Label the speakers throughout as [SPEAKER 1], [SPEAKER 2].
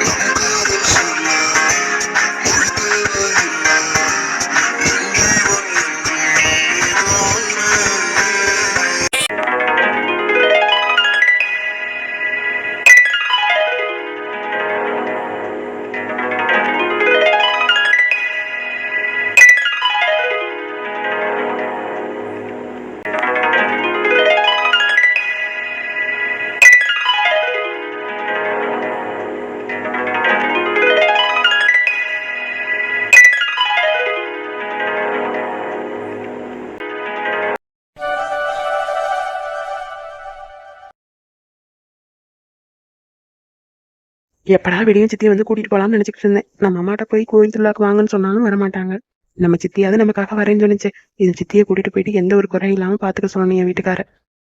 [SPEAKER 1] எப்படா வெளியும் சித்தியை வந்து கூட்டிட்டு போலாம்னு நினைச்சிட்டு இருந்தேன். நம்ம அம்மாட்ட போய் கோயில் திருவிழாக்கு வாங்கன்னு சொன்னாலும் வரமாட்டாங்க. நம்ம சித்தியாவது நமக்காக வரேன்னு சொன்னிச்சு. இது சித்தியை கூட்டிட்டு போயிட்டு எந்த ஒரு குறையும் இல்லாம பாத்துக்க சொல்லணும் என் வீட்டுக்கார.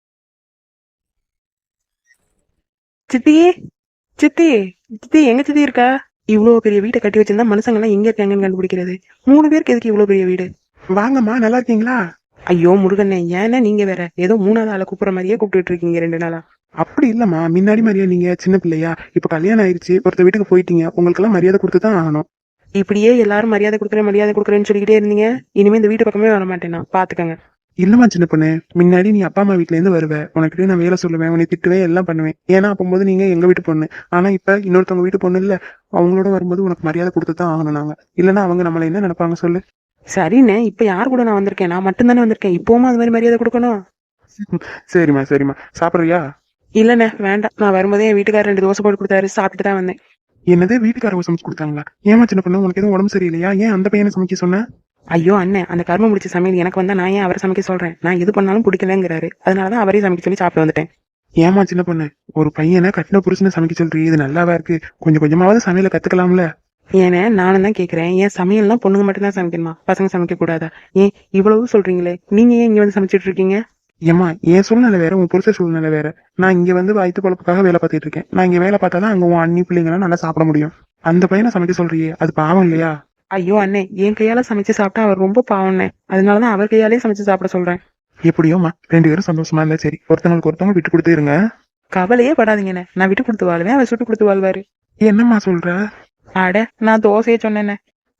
[SPEAKER 1] சித்தி, சித்தி, சித்தி எங்க சித்தி இருக்கா? இவ்வளவு பெரிய வீட்டை கட்டி வச்சிருந்தா மனுஷங்க எல்லாம் எங்க இருக்காங்கன்னு கண்டுபிடிக்கிறது. 3 பேருக்கு எதுக்கு இவ்வளவு பெரிய வீடு?
[SPEAKER 2] வாங்கம்மா, நல்லா இருக்கீங்களா?
[SPEAKER 1] ஐயோ முருகண்ணே, ஏன்னா நீங்க வேற ஏதோ 3வது ஆளை கூப்பிடுற மாதிரியே கூப்பிட்டு இருக்கீங்க 2 நாளா.
[SPEAKER 2] அப்படி இல்லம்மா, முன்னாடி மாதிரியா நீங்க சின்ன பிள்ளையா? இப்ப கல்யாணம் ஆயிடுச்சு, ஒருத்த வீட்டுக்கு போயிட்டீங்க, உங்களுக்கு எல்லாம் மரியாதை கொடுத்துதான் ஆகணும்.
[SPEAKER 1] இப்படியே எல்லாரும் மரியாதை கொடுக்குறேன்னு சொல்லிக்கிட்டே இருந்தீங்க. இனிமே இந்த வீட்டு பக்கமே வர மாட்டேன் நான், பாத்துக்கங்க.
[SPEAKER 2] இல்லம்மா சின்ன பொண்ணு, முன்னாடி நீ அப்பா அம்மா வீட்டுல இருந்து வருவ, உனக்கிட்ட நான் வேலை சொல்லுவேன், உன்னை திட்டுவேன், எல்லாம் பண்ணுவேன். ஏன்னா அப்போது நீங்க எங்க வீட்டு பொண்ணு. ஆனா இப்ப இன்னொருத்தவங்க வீட்டு பொண்ணு இல்ல, அவங்களோட வரும்போது உனக்கு மரியாதை கொடுத்துதான் ஆகணும் நாங்க. இல்லன்னா அவங்க நம்மள என்ன நினைப்பாங்க சொல்லு?
[SPEAKER 1] சரிண்ணே, இப்ப யார் கூட நான் வந்திருக்கேன்? நான் மட்டும் தானே வந்திருக்கேன். இப்பவும் அது மாதிரி மரியாதை கொடுக்கணும்.
[SPEAKER 2] சரிம்மா சரிம்மா, சாப்பிடுறியா?
[SPEAKER 1] இல்லண்ணே வேண்டாம், நான் வரும்போதே என் வீட்டுக்காரர் 2 தோசை போட்டு கொடுத்தாரு, சாப்பிட்டு தான் வந்தேன்.
[SPEAKER 2] என்னது, வீட்டுக்காரவங்க சமைச்சு கொடுத்தாங்களா? ஏமா சின்ன பொண்ணு, உனக்கு எதுவும் உடம்பு சரியில்லையா? ஏன் அந்த பையனை சமைக்க சொன்ன?
[SPEAKER 1] ஐயோ அண்ணன், அந்த கர்ம முடிச்ச சமையல் எனக்கு வந்தா நான் ஏன் அவரை சமைக்க சொல்றேன்? நான் எது பண்ணாலும் பிடிக்கலங்கிறாரு, அதனாலதான் அவரே சமைக்க சொல்லி சாப்பிட்டு வந்துட்டேன்.
[SPEAKER 2] ஏமா சின்ன பொண்ணு, ஒரு பையனை கட்டின புருஷனை சமைக்க சொல்றீ, இது நல்லாவா இருக்கு? கொஞ்சம் கொஞ்சமாவது சமையலை கத்துக்கலாம்ல?
[SPEAKER 1] ஏன்னா நானும் தான் கேக்குறேன், ஏன் சமையல்னா பொண்ணுங்க மட்டும் தான் சமைக்கணுமா? பசங்க சமைக்க கூடாதா? ஏன் இவ்வளவு சொல்றீங்களே, நீங்க ஏன் இங்க வந்து சமைச்சிட்டு இருக்கீங்க?
[SPEAKER 2] ஏமா, என் சூழ்நிலை வேற, உன் புருஷ சூழ்நிலை வேற. நான் இங்க வந்து வயிற்று பொழப்புக்காக வேலை பார்த்துட்டு இருக்கேன். நான் இங்க வேலை பார்த்தாதான் அங்க உன் அண்ணி பிள்ளைங்களாம் நல்லா சாப்பிட முடியும். அந்த பையனை சமைக்க சொல்றியே, அது பாவம் இல்லையா?
[SPEAKER 1] ஐயோ அண்ணே, என் கையால சமைச்சு சாப்பிட்டா அவர் ரொம்ப பாவம்ண்ணே, அதனாலதான் அவர் கையாலே சமைச்சு சாப்பிட சொல்றேன்.
[SPEAKER 2] எப்படியோமா, 2 பேரும் சந்தோஷமா இருந்தா சரி. ஒருத்தவங்களுக்கு ஒருத்தவங்க விட்டு கொடுத்து இருங்க.
[SPEAKER 1] கவலையே படாதீங்கண்ணே, நான் விட்டு கொடுத்து வாழ்வேன், அவர் சுட்டு கொடுத்து வாழ்வாரு.
[SPEAKER 2] என்னம்மா சொல்ற?
[SPEAKER 1] அட, நான் தோசையே சொன்னேண்ணே.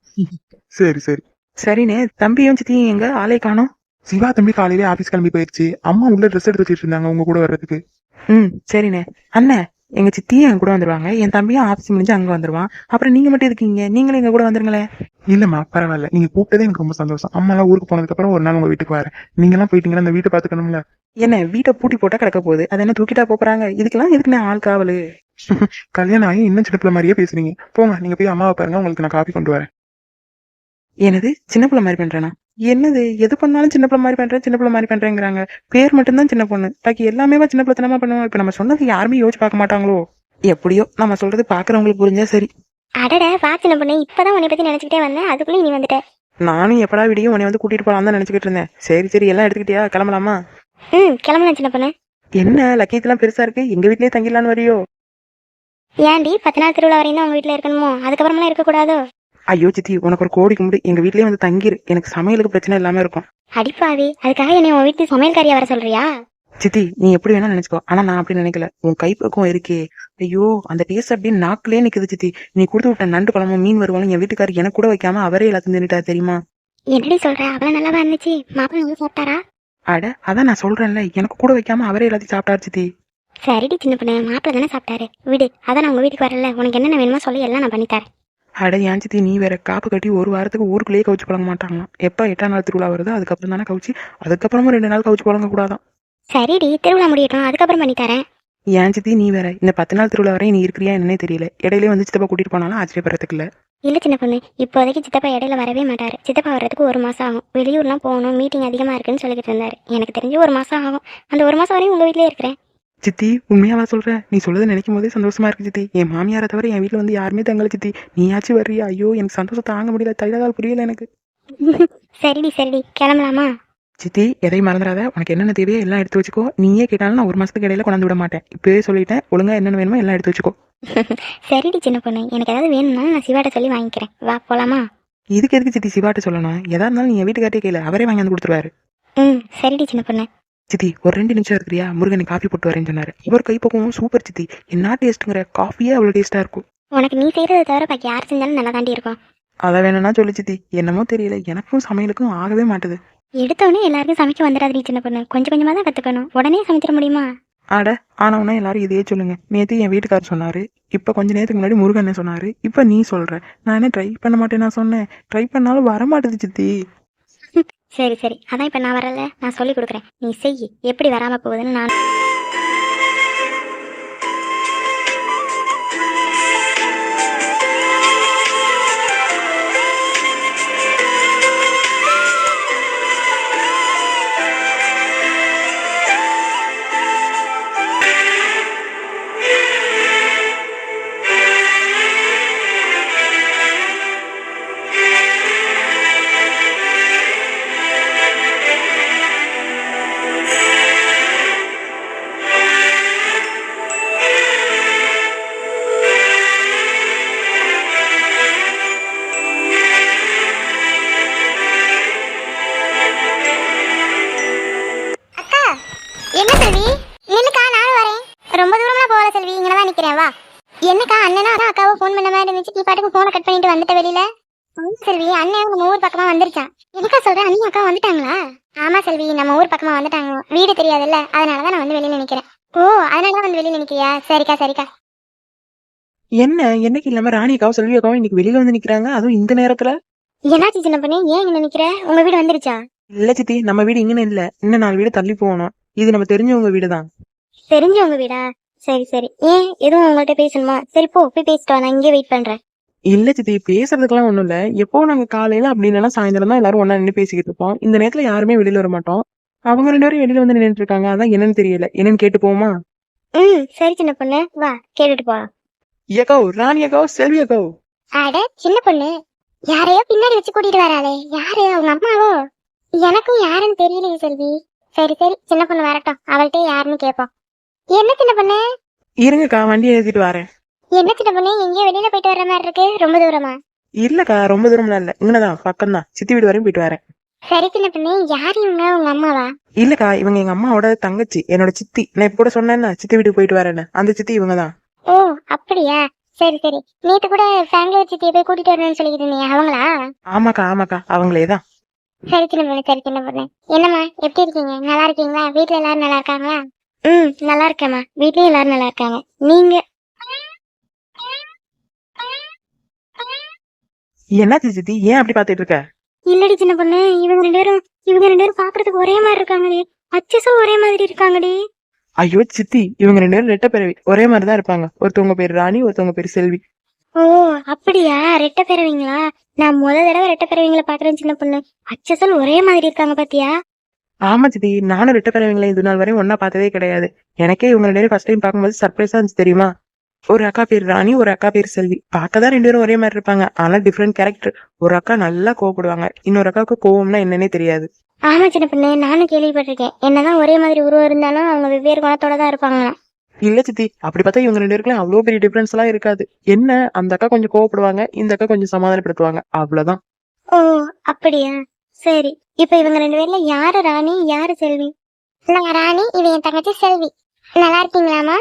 [SPEAKER 2] சரி சரி.
[SPEAKER 1] சரிண்ணே, தம்பியும் சித்தியும் எங்க? ஆளே காணோம்.
[SPEAKER 2] சிவா தம்பி காலையிலே ஆபீஸ் கிளம்பி போயிடுச்சு. அம்மா உள்ள ட்ரெஸ் எடுத்து வச்சிட்டு இருந்தாங்க உங்க கூட வர்றதுக்கு.
[SPEAKER 1] சரிண்ணே. அண்ணே, எங்க சித்தியும் என் கூட வந்துருவாங்க, என் தம்பியும் ஆபீஸ் முடிஞ்சு அங்க வந்துருவான். அப்புறம் நீங்க மட்டும் இருக்கீங்க, நீங்களும் எங்க கூட வந்துருங்களேன்.
[SPEAKER 2] இல்லம்மா பரவாயில்ல, நீங்க கூப்பிட்டதே எனக்கு ரொம்ப சந்தோஷம். அம்மா எல்லாம் ஊருக்கு போனதுக்கு அப்புறம் ஒரு நாள் உங்க வீட்டுக்கு வரேன். நீங்க எல்லாம் போயிட்டீங்கன்னா அந்த வீட்டை பாத்துக்கணும்ல.
[SPEAKER 1] என்ன, வீட்டை பூட்டி போட்டா கிடக்க போகுது, அதை என்ன தூக்கிட்டா போறாங்க? இதுக்கெல்லாம் எதுக்குண்ணே ஆள் காவலு?
[SPEAKER 2] கல்யாணம் ஆகி இன்னும் சின்ன பிள்ளை மாதிரியே பேசுறீங்க. போங்க, நீங்க போய் அம்மாவை பாருங்க, உங்களுக்கு நான் காப்பி கொண்டு வரேன்.
[SPEAKER 1] என்னது, சின்ன பிள்ளை மாதிரி பண்றேனா? என்னது, எது பண்ணாலும் சின்ன பிள்ளை மாதிரி பண்றேங்கிறாங்க. பேர் மட்டும்தான் சின்ன பொண்ணு, பாக்கி எல்லாமே சின்ன பிள்ளைத்தனமா பண்ணுவோம். இப்ப நம்ம சொன்னது யாருமே யோசிச்சு பார்க்க மாட்டாங்களோ? எப்படியோ நம்ம சொல்றது பாக்குறவங்களுக்கு புரிஞ்சா சரி.
[SPEAKER 3] அடட, வா சின்ன பொண்ணு, இப்பதான் உன்னை பத்தி நினைச்சுக்கிட்டே வந்தேன், அதுக்குள்ளே நீ வந்துட்ட.
[SPEAKER 1] நானும் எப்படா விடியும் உன்னை வந்து கூட்டிட்டு போலாம் தான் நினைச்சுக்கிட்டு இருந்தேன். சரி எல்லாம் எடுத்துக்கிட்டியா, கிளம்பலாமா?
[SPEAKER 3] கிளம்பலாம் சின்ன பொண்ணு.
[SPEAKER 1] என்ன லக்கேஜ்லாம் பெருசா இருக்கு, எங்க வீட்லயே தங்கிடலான்னு வரியோ?
[SPEAKER 3] ஏன்டி 10 நாள் திருவிழா வரையும் தான் உங்க வீட்டுல இருக்கணுமோ? அதுக்கப்புறமெல்லாம் இருக்க கூடாதோ?
[SPEAKER 1] ஐயோ சித்தி, உனக்கு ஒரு கோடி கும்பிடு, எங்க வீட்லயே வந்து தங்கிரு, எனக்கு சமையலுக்கு பிரச்சனை இல்லாம இருக்கும்.
[SPEAKER 3] அடிப்பாவி, அதுக்காக என்னை உன் வீட்டு சமையல்காரியா வர சொல்றியா?
[SPEAKER 1] சித்தி, நீ எப்படி வேணா நினைச்சுக்கோ, ஆனா நான் அப்படி நினைக்கல. உன் கைப்பக்கம் இருக்கே, ஐயோ அந்த டேஸ்ட் அப்படியே நாக்குலயே நிக்குது சித்தி. நீ கொடுத்து விட்ட நண்டு குழம்பு மீன் வருவாலும் என் வீட்டுக்காரர் எனக்கு கூட வைக்காம அவரே எல்லாத்தையும் தின்னுட்டாரு தெரியுமா?
[SPEAKER 3] என்னடி சொல்ற, அவ்வளவு நல்லாவா இருந்துச்சு? மாப்பிள்ளை நல்லா சாப்பிட்டாரா?
[SPEAKER 1] அட அதான் நான் சொல்றேன்ல, எனக்கு கூட வைக்காம அவரே எல்லாத்தையும் சாப்பிட்டாரு சித்தி.
[SPEAKER 3] சரிடி சின்ன பொண்ணு, மாப்பிள்ளை தானே சாப்பிட்டாரு, விடு. அதான் நான் உங்க வீட்டுக்கு வரல, உனக்கு என்னென்ன வேணுமோ சொல்லி எல்லாம் நான் பண்ணித்தரேன்.
[SPEAKER 1] அட ஏன் சித்தி, நீ வேற, காப்பு கட்டி 1 வாரத்துக்கு ஊருக்குள்ளேயே கவுச்சு பழங்க மாட்டாங்களாம். எப்ப 8ஆம் நாள் திருவிழா வருதோ அதுக்கப்புறம் தானே கவுச்சு, அதுக்கப்புறமா 2 நாள் கவுச்சு பழங்க கூடாதான்.
[SPEAKER 3] சரிடி, திருவிழா முடியட்டும், அதுக்கப்புறம் பண்ணித்தரேன்.
[SPEAKER 1] ஏன் சித்தி, நீ வேற, இந்த 10 நாள் திருவிழா வரையும் நீ இருக்கிறியா என்னன்னே தெரியல. இடையிலே வந்து சித்தப்பா கூட்டிட்டு போனாலும் ஆச்சரியப்படுறதுக்கு இல்ல.
[SPEAKER 3] இல்ல சின்ன பொண்ணு, இப்போதைக்கு சித்தப்பா இடையில வரவே மாட்டாரு. சித்தப்பா வர்றதுக்கு 1 மாசம் ஆகும். வெளியூர்லாம் போகணும், மீட்டிங் அதிகமா இருக்குன்னு சொல்லிட்டு இருந்தாரு. எனக்கு தெரிஞ்சு 1 மாசம் ஆகும். அந்த 1 மாசம் வரையும் உங்க வீட்லயே இருக்கிறேன்.
[SPEAKER 1] சித்தி, உண்மையாவா சொல்ற? நீ சொல்றதை நினைக்கும் போதே சந்தோஷமா இருக்கு சித்தி. என் மாமியாரை தவிர என் வீட்டுல வந்து யாருமே தங்கல சித்தி. நீயாச்சும் வர்றியா? ஐயோ எனக்கு சந்தோஷம் தாங்க முடியல, தைலதால் புரியல எனக்கு.
[SPEAKER 3] சரிடி கிளம்பலாமா?
[SPEAKER 1] சித்தி, எதையும் மறந்துடாத, உனக்கு என்னென்ன தேவையோ எல்லாம் எடுத்து வச்சுக்கோ. நீயே கேட்டாலும் நான் 1 மாசத்துக்கு இடையில கொண்டாந்து விட மாட்டேன். இப்பவே சொல்லிட்டேன், ஒழுங்கா என்னென்ன வேணுமோ எல்லாம் எடுத்து வச்சுக்கோ.
[SPEAKER 3] சரிடி சின்ன பொண்ணு, எனக்கு ஏதாவது வேணும்னாலும் நான் சிவாட்ட சொல்லி வாங்கிக்கிறேன். வா போலாமா?
[SPEAKER 1] இதுக்கு எதுக்கு சித்தி சிவாட்ட சொல்லணும்? எதா இருந்தாலும் நீ என் வீட்டுக்காரே கேளு, அவரே வாங்கி வந்து கொடுத்துருவாரு.
[SPEAKER 3] சரிடி சின்ன பொண்ணு.
[SPEAKER 1] சித்தி, ஒரு 2 நிமிஷம் இருக்கிறியா? முருகனை காஃபி போட்டு வரேன்னு சொன்னாரு. இவர் கைப்பக்கமும் சூப்பர் சித்தி. என்ன டேஸ்ட்டுங்கிற, காஃபியே அவ்வளவு டேஸ்டா இருக்கும்.
[SPEAKER 3] உனக்கு நீ செய்யறதை தவிர பாக்கி யார் செஞ்சாலும் நல்லா தாண்டி இருக்கும்.
[SPEAKER 1] அதை வேணும்னா சொல்லு சித்தி. என்னமோ தெரியல, எனக்கும் சமையலுக்கும் ஆகவே மாட்டுது.
[SPEAKER 3] எடுத்தோடனே எல்லாருக்கும் சமைக்க வந்துடாதீ சின்ன பொண்ணு, கொஞ்சம் கொஞ்சமாக தான் கற்றுக்கணும். உடனே சமைச்சிட முடியுமா?
[SPEAKER 1] அட, ஆனவனா எல்லாரும் இதையே சொல்லுங்க. நேற்று என் வீட்டுக்காரர் சொன்னாரு, இப்போ கொஞ்ச நேரத்துக்கு முன்னாடி முருகன் சொன்னாரு, இப்போ நீ சொல்ற. நான் என்ன ட்ரை பண்ண மாட்டேன் நான் சொன்னேன்? ட்ரை பண்ணாலும் வர மாட்டுது சித்தி.
[SPEAKER 3] சரி சரி, அதான் இப்போ நான் வரல, நான் சொல்லி கொடுக்குறேன், நீ செய். எப்படி வராமல் போகுதுன்னு நான். என்ன செல்வி, நில்லுக்கா, நானும் வரேன். ரொம்ப தூரம்லாம் போகல செல்வி, இங்கே தான் நிற்கிறேன், வா. என்னக்கா, அண்ணனா அதான் அக்காவை ஃபோன் பண்ண மாதிரி இருந்துச்சு, நீ பாட்டுக்கு ஃபோனை கட் பண்ணிட்டு வந்துட்ட வெளியில. செல்வி, அண்ணன் நம்ம ஊர் பக்கமா வந்துருச்சான். எனக்கா சொல்றேன், அண்ணி அக்கா வந்துட்டாங்களா? ஆமா செல்வி, நம்ம ஊர் பக்கமா வந்துட்டாங்க. வீடு தெரியாதுல்ல, அதனாலதான் நான் வந்து வெளியில நிக்கிறேன். ஓ, அதனாலதான் வந்து வெளியில நிக்கிறியா? சரிக்கா சரிக்கா.
[SPEAKER 1] என்ன, என்னைக்கு இல்லாம ராணிக்காவும் செல்வியக்காவும் இன்னைக்கு வெளியில வந்து நிக்கிறாங்க, அதுவும் இந்த நேரத்துல?
[SPEAKER 3] என்னாச்சு சின்ன பொண்ணு, ஏன் இங்க நிக்கிற? உங்க வீடு வந்துருச்சா?
[SPEAKER 1] இல்ல சித்தி, நம்ம வீடு இங்கன்னு இல்ல, இன்னும் 4 வீடு தள்ளி போகணும். இது நம்ம தெரிஞ்சவங்க வீடுதான்.
[SPEAKER 3] தெரிஞ்சவங்க வீடா? சரி சரி, ஏன் எதுவும் உங்கள்கிட்ட பேசணுமா? சரி போ, போய் பேசிட்டு வா, நான் இங்கே வெயிட் பண்றேன்.
[SPEAKER 1] இல்ல சித்தி, பேசுறதுக்கெல்லாம் ஒண்ணும் இல்ல. எப்போ நாங்க காலையில அப்படி இல்லைன்னா சாயந்தரம் தான் எல்லாரும் ஒண்ணா நின்று பேசிக்கிட்டு இருப்போம். இந்த நேரத்துல யாருமே வெளியில வர மாட்டோம். அவங்க 2 பேரும் வெளியில வந்து நின்னுட்டு இருக்காங்க, அதான் என்னன்னு தெரியல. என்னன்னு கேட்டு போமா?
[SPEAKER 3] சரி சின்ன பொண்ணு, வா கேட்டுட்டு போலாம்.
[SPEAKER 1] ஏக்கோ, ராணி அக்கோ, செல்வி அக்கோ.
[SPEAKER 3] அட சின்ன பொண்ணு, யாரையோ பின்னாடி வச்சு கூட்டிட்டு வராளே, யாரு? அவங்க அம்மாவோ? எனக்கும் யாருன்னு தெரியலையே செல்வி. சரி சரி, சின்ன பொண்ணு வரட்டும், அவள்கிட்ட யாருன்னு கேட்போம். என்ன சின்ன பொண்ணு?
[SPEAKER 1] இருங்கக்கா, வண்டியை ஏத்திட்டு வரேன்.
[SPEAKER 3] என்ன சின்ன பொண்ணு, எங்கேயோ வெளியில போயிட்டு வர மாதிரி இருக்கு, ரொம்ப தூரமா?
[SPEAKER 1] இல்லக்கா, ரொம்ப தூரம்லாம் இல்ல, இங்கதான் பக்கம் தான், சித்தி வீடு வரையும் போயிட்டு வரேன்.
[SPEAKER 3] சரி சின்ன பொண்ணு, யாரு இவங்க? உங்க அம்மாவா?
[SPEAKER 1] இல்லக்கா, இவங்க எங்க அம்மாவோட தங்கச்சி, என்னோட சித்தி. நான் இப்ப கூட சொன்னேன்னா சித்தி வீட்டுக்கு போயிட்டு வரேன்னு, அந்த சித்தி இவங்கதான்.
[SPEAKER 3] ஓ அப்படியா, சரி சரி. நேத்து கூட ஃபேமிலி சித்தியை போய் கூட்டிட்டு வரணும்னு சொல்லிக்கிட்டு இருந்தீங்க, அவங்களா?
[SPEAKER 1] ஆமாக்கா ஆமாக்கா, அவங்களேதான்.
[SPEAKER 3] சரி சின்ன பொண்ணு, சரி சின்ன பொண்ணு. என்னம்மா, எப்படி இருக்கீங்க? நல்லா இருக்கீங்களா? வீட்டுல எல்லாரும் நல்லா இருக்காங்களா? நல்லா இருக்கேம்மா, வீட்லயும் எல்லாரும் நல்லா இருக்காங்க. நீங்க?
[SPEAKER 1] என்னாச்சு சித்தி, ஏன் அப்படி பாத்துட்டு இருக்க?
[SPEAKER 3] இல்லடி சின்ன பொண்ணு, இவங்க ரெண்டு பேரும் பாக்குறதுக்கு ஒரே மாதிரி இருக்காங்கடி. அச்சஸும் ஒரே மாதிரி இருக்காங்கடி.
[SPEAKER 1] ஐயோ சித்தி, இவங்க 2 பேரும் ரெட்டை பிறவி, ஒரே மாதிரிதான் இருப்பாங்க. ஒருத்தவங்க பேர் ராணி, ஒருத்தவங்க பேர் செல்வி.
[SPEAKER 3] ஓ அப்படியா, ரெட்டை பிறவிங்களா? நான் தடவை ரெட்டை பிறவிங்களை பாக்குறேன் சின்ன பொண்ணு. அச்சசல் ஒரே மாதிரி இருக்காங்க பாத்தியா?
[SPEAKER 1] ஆமா சித்தி, நானும் ரெட்டை பிறவிங்களை இது நாள் வரையும் ஒன்னா பார்த்ததே கிடையாது. எனக்கே இவங்க 2 பேரும் ஃபர்ஸ்ட் டைம் பார்க்கும்போது சர்ப்ரைஸா இருந்துச்சு தெரியுமா? ஒரு அக்கா பேர் ராணி, ஒரு அக்கா பேர் செல்வி. பார்க்கதான் 2 பேரும் ஒரே மாதிரி இருப்பாங்க, ஆனா டிஃப்ரெண்ட் கேரக்டர். ஒரு அக்கா நல்லா கோவப்படுவாங்க, இன்னொரு அக்காவுக்கு கோவம்னா என்னன்னே தெரியாது.
[SPEAKER 3] ஆமா சின்ன பொண்ணு, நானும் கேள்விப்பட்டிருக்கேன். என்னதான் ஒரே மாதிரி உருவம் இருந்தாலும் அவங்க வெவ்வேறு குணத்தோட தான் இருப்பாங்களாம்.
[SPEAKER 1] இல்ல சித்தி, அப்படி பார்த்தா இவங்க 2 பேருக்குலாம் அவ்வளவு பெரிய டிஃபரன்ஸ் எல்லாம் இருக்காது. என்ன, அந்த அக்கா கொஞ்சம் கோவப்படுவாங்க, இந்த அக்கா கொஞ்சம் சமாதானப்படுத்துவாங்க, அவ்வளவுதான்.
[SPEAKER 3] ஓ அப்படியா, சரி. இப்ப இவங்க 2 பேர்ல யாரு ராணி, யாரு செல்வி? நான் ராணி, இது என் தங்கச்சி செல்வி. நல்லா இருக்கீங்களாமா?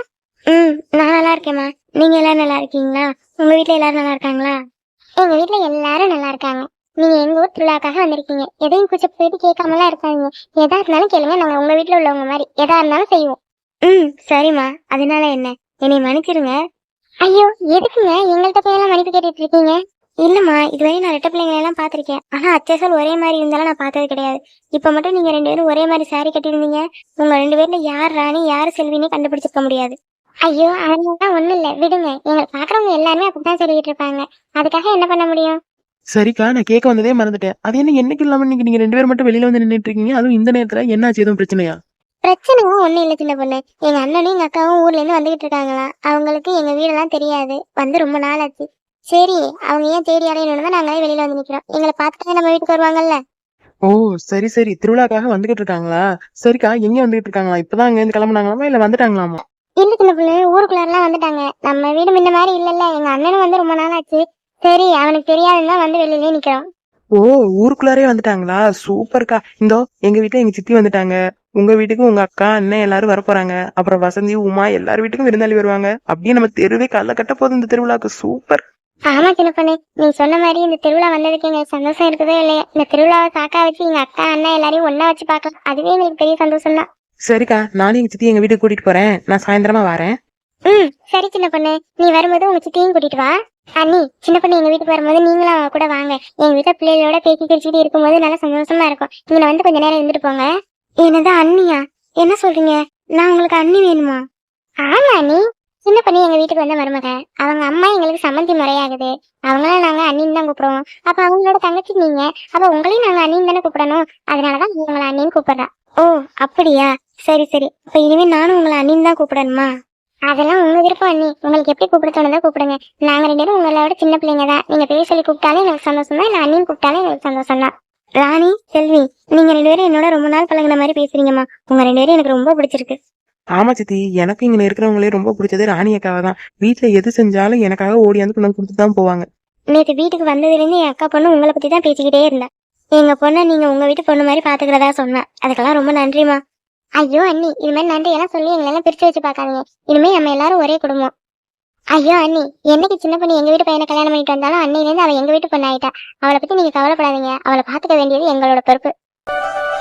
[SPEAKER 3] நான் நல்லா இருக்கேம்மா. நீங்க எல்லாரும் நல்லா இருக்கீங்களா? உங்க வீட்ல எல்லாரும் நல்லா இருக்காங்களா? எங்க வீட்ல எல்லாரும் நல்லா இருக்காங்க. நீங்க எங்க ஊர் திருவிழாக்காக வந்திருக்கீங்க, எதையும் கூச்ச போயிட்டு கேட்காமலாம் இருக்காங்க. எதா இருந்தாலும் கேளுங்க, நாங்க உங்க வீட்ல உள்ளவங்க மாதிரி எதா இருந்தாலும் செய்வோம். சரிம்மா, அதனால என்ன, என்னை மன்னிச்சிருங்க. ஐயோ எதுக்குங்க எங்கள்கிட்ட போயெல்லாம் மன்னிப்பு கேட்டுட்டு இருக்கீங்க? இல்லம்மா, இதுவரை நான் ரெட்டை பிள்ளைங்களை எல்லாம் பாத்திருக்கேன், ஆனா அச்சசல் ஒரே மாதிரி இருந்தாலும் நான் பார்த்தது கிடையாது. இப்ப மட்டும் நீங்க 2 பேரும் ஒரே மாதிரி சாரி கட்டிருந்தீங்க, உங்க 2 பேர்ல யார் ராணி யாரு செல்வின்னு கண்டுபிடிச்சிருக்க முடியாது. ஐயோ அதெல்லாம் ஒண்ணும் இல்ல, விடுங்க. எங்களை பாக்குறவங்க எல்லாருமே அப்படித்தான் சொல்லிட்டு இருப்பாங்க, அதுக்காக என்ன பண்ண முடியும்?
[SPEAKER 1] சரிக்கா, நான் கேட்க வந்ததே மறந்துட்டேன். அது என்ன, என்னைக்கு இல்லாம இன்னைக்கு நீங்க 2 பேரும் மட்டும் வெளியில வந்து நின்னுட்டு இருக்கீங்க, அதுவும் இந்த நேரத்துல? என்னாச்சு, எதுவும் பிரச்சனையா?
[SPEAKER 3] பிரச்சனையும் ஒண்ணும் இல்ல சின்ன பொண்ணு. எங்க அண்ணனும் எங்க அக்காவும் ஊர்ல இருந்து வந்துகிட்டு இருக்காங்களாம். அவங்களுக்கு எங்க வீடெல்லாம் தெரியாது, வந்து ரொம்ப நாள் ஆச்சு. சரி, அவங்க ஏன் தேடி அடையணும்னு நாங்களே வெளியில வந்து நிக்கிறோம். எங்களை பார்த்துட்டு நம்ம வீட்டுக்கு வருவாங்கல்ல.
[SPEAKER 1] ஓ சரி சரி, திருவிழாக்காக வந்துகிட்டு இருக்காங்களா? சரிக்கா, எங்க வந்துகிட்டு இருக்காங்களா? இப்பதான் அங்க இருந்து கிளம்புனாங்களாமா, இல்ல வந்துட்டாங்களாமா?
[SPEAKER 3] இல்ல சின்ன பொண்ணு, ஊருக்குள்ளாரெல்லாம் வந்துட்டாங்க. நம்ம வீடு முன்ன மாதிரி இல்லல்ல, எங்க அண்ணனும் வந்து ரொம்ப நாள் ஆச்சு. சரி, அவனுக்கு தெரியாதுன்னு தான் வந்து வெளியிலே நிக்கிறோம்.
[SPEAKER 1] ஓ, ஊருக்குள்ளாரே வந்துட்டாங்களா? சூப்பர்க்கா. இந்தோ எங்க வீட்டுல எங்க சித்தி வந்துட்டாங்க. உங்க வீட்டுக்கு உங்க அக்கா அண்ணன் எல்லாரும் வரப்போறாங்க. அப்புறம் வசந்தி உமா எல்லார் வீட்டுக்கும் விருந்தாளி வருவாங்க. அப்படியே நம்ம தெருவே கல்ல கட்ட போதும் இந்த திருவிழாக்கு. சூப்பர்.
[SPEAKER 3] ஆமா சின்ன பொண்ணு, நீ சொன்ன மாதிரி இந்த திருவிழா வந்ததுக்கு எங்களுக்கு சந்தோஷம் இருக்குதோ இல்லையா, இந்த திருவிழாவை காக்கா வச்சு எங்க அக்கா அண்ணா எல்லாரையும் ஒண்ணா வச்சு பார்க்கலாம், அதுவே எங்களுக்கு பெரிய சந்தோஷம் தான்.
[SPEAKER 1] சரிக்கா, நானும் எங்க சித்தி எங்க வீட்டுக்கு கூட்டிட்டு போறேன். நான் சாயந்தரமா வரேன்.
[SPEAKER 3] சரி சின்ன பொண்ணு, நீ வரும்போது உங்க சித்தியும் கூட்டிட்டு வா. அண்ணி, சின்ன பொண்ணு எங்க வீட்டுக்கு வரும்போது நீங்களும் அவ கூட வாங்க. எங்க வீட்டுல பிள்ளைகளோட பேசி கிரிச்சிட்டு இருக்கும்போது நல்லா சந்தோஷமா இருக்கும். நீங்க வந்து கொஞ்ச நேரம் இருந்துட்டு போங்க. என்னது அண்ணியா? என்ன சொல்றீங்க? நான் உங்களுக்கு அண்ணி வேணுமா? ஆமா அண்ணி, சின்ன பொண்ணு எங்க வீட்டுக்கு வந்த மருமக. அவங்க அம்மா எங்களுக்கு சம்மந்தி முறையாகுது. அவங்கள நாங்க அண்ணின்னு தான் கூப்பிடுவோம். அப்ப அவங்களோட தங்கச்சி நீங்க, அப்ப உங்களையும் நாங்க அண்ணின்னு தானே கூப்பிடணும். அதனாலதான் உங்களை அண்ணின்னு கூப்பிடுறா. ஓ அப்படியா, சரி சரி. அப்ப இனிமே நானும் உங்களை அண்ணின்னு தான் கூப்பிடணுமா? அதெல்லாம் உங்க விருப்பம் அண்ணி, உங்களுக்கு எப்படி கூப்பிட தோணுதோ கூப்பிடுங்க. நாங்க 2 பேரும் உங்களோட சின்ன பிள்ளைங்க தான். நீங்க பேர் சொல்லி கூப்பிட்டாலே எனக்கு சந்தோஷம் தான், இல்ல அண்ணின்னு கூப்பிட்டாலே எனக்கு சந்தோஷம் தான். ராணி, செல்வி, நீங்க 2 பேரும் என்னோட ரொம்ப நாள் பழகுன மாதிரி பேசுறீங்கம்மா. உங்க 2 பேரும் எனக்கு ரொம்ப பிடிச்சிருக்கு.
[SPEAKER 1] ஆமா சித்தி, எனக்கு இங்க இருக்கிறவங்களே ரொம்ப பிடிச்சது ராணி அக்காவை தான். வீட்டுல எது செஞ்சாலும் எனக்காக ஓடியாந்து கொண்டு கொடுத்துட்டு தான் போவாங்க.
[SPEAKER 3] நேற்று வீட்டுக்கு வந்ததுல இருந்து என் அக்கா பொண்ணு உங்களை பத்தி தான் பேசிக்கிட்டே இருந்தா. எங்க பொண்ணை நீங்க உங்க வீட்டு பொண்ணு மாதிரி பாத்துக்கிறதா சொன்னா. அதுக்கெல்லாம் ரொம்ப நன்றிமா. ஐயோ அண்ணி, இது மாதிரி நன்றி எல்லாம் சொல்லி எங்களெல்லாம் பிரிச்சு வச்சு பாக்காதீங்க. இனிமே நம்ம எல்லாரும் ஒரே குடும்பம். ஐயோ அண்ணி, என்னைக்கு சின்ன பொண்ணு எங்க வீட்டு பையனை கல்யாணம் பண்ணிட்டு வந்தாலும் அன்னையில இருந்து அவ எங்க வீட்டு பொண்ணு ஆயிட்டா. அவளை பத்தி நீங்க கவலைப்படாதீங்க. அவளை பாத்துக்க வேண்டியது எங்களோட பொறுப்பு.